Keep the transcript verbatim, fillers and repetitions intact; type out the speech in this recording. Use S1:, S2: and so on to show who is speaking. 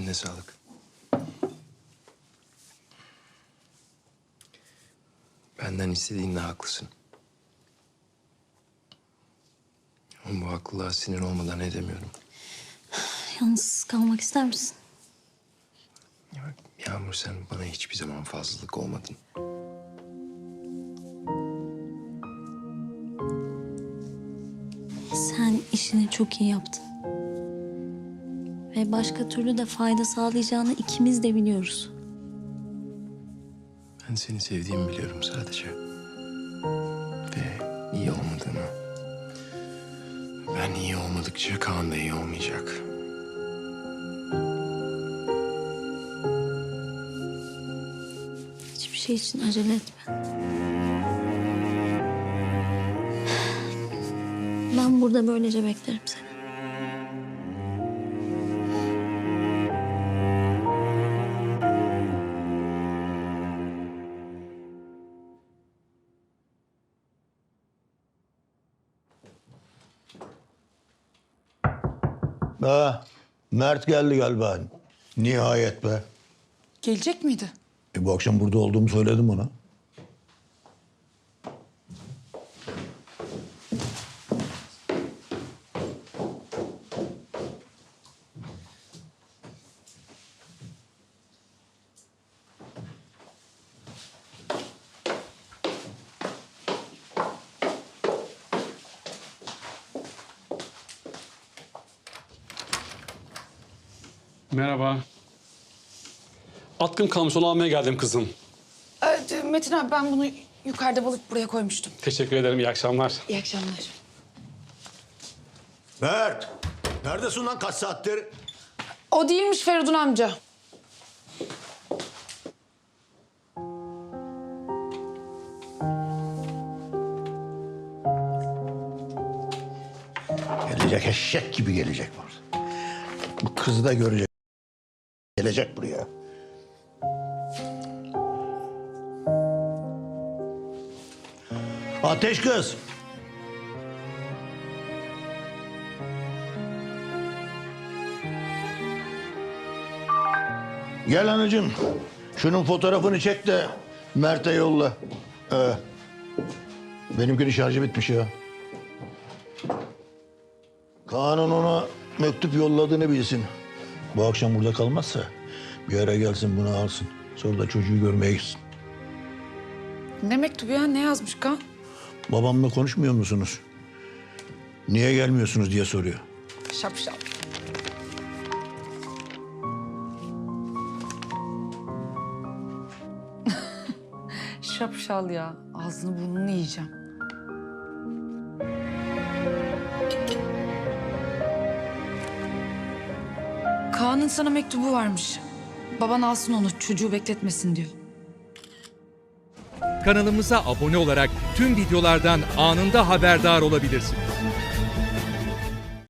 S1: Eline sağlık. Benden istediğinle haklısın. Ama bu haklılığa sinir olmadan edemiyorum.
S2: Yalnız kalmak ister misin?
S1: Ya bak, Yağmur, sen bana hiçbir zaman fazlalık olmadın.
S2: Sen işini çok iyi yaptın. Ve başka türlü de fayda sağlayacağını ikimiz de biliyoruz.
S1: Ben seni sevdiğimi biliyorum sadece. Ve iyi olmadığını. Ben iyi olmadıkça Kaan da iyi olmayacak.
S2: Hiçbir şey için acele etme. Ben burada böylece beklerim seni.
S3: Ha, Mert geldi galiba. Nihayet be.
S4: Gelecek miydi?
S3: E, bu akşam burada olduğumu söyledim ona.
S5: Merhaba. Atkım kalmış, onu almaya geldim kızım.
S4: Ee, Metin abi ben bunu yukarıda balık buraya koymuştum.
S5: Teşekkür ederim, iyi akşamlar.
S4: İyi akşamlar.
S3: Mert! Neredesin lan kaç saattir?
S4: O değilmiş Feridun amca.
S3: Gelecek eşek gibi gelecek burada. Bu kızı da görecek. Gelecek buraya. Ateş kız. Gel anacığım. Şunun fotoğrafını çek de Mert'e yolla. Ee, benimkinin şarjı bitmiş ya. Kaan'ın ona mektup yolladığını bilsin. Bu akşam burada kalmazsa bir ara gelsin bunu alsın. Sonra da çocuğu görmeye gitsin.
S4: Ne mektubu ya? Ne yazmış Kaan?
S3: Babamla konuşmuyor musunuz? Niye gelmiyorsunuz diye soruyor.
S4: Şapşal. Şapşal ya. Ağzını burnunu yiyeceğim. Kaan'ın sana mektubu varmış. Baban alsın onu, çocuğu bekletmesin diyor.
S6: Kanalımıza abone olarak tüm videolardan anında haberdar olabilirsiniz.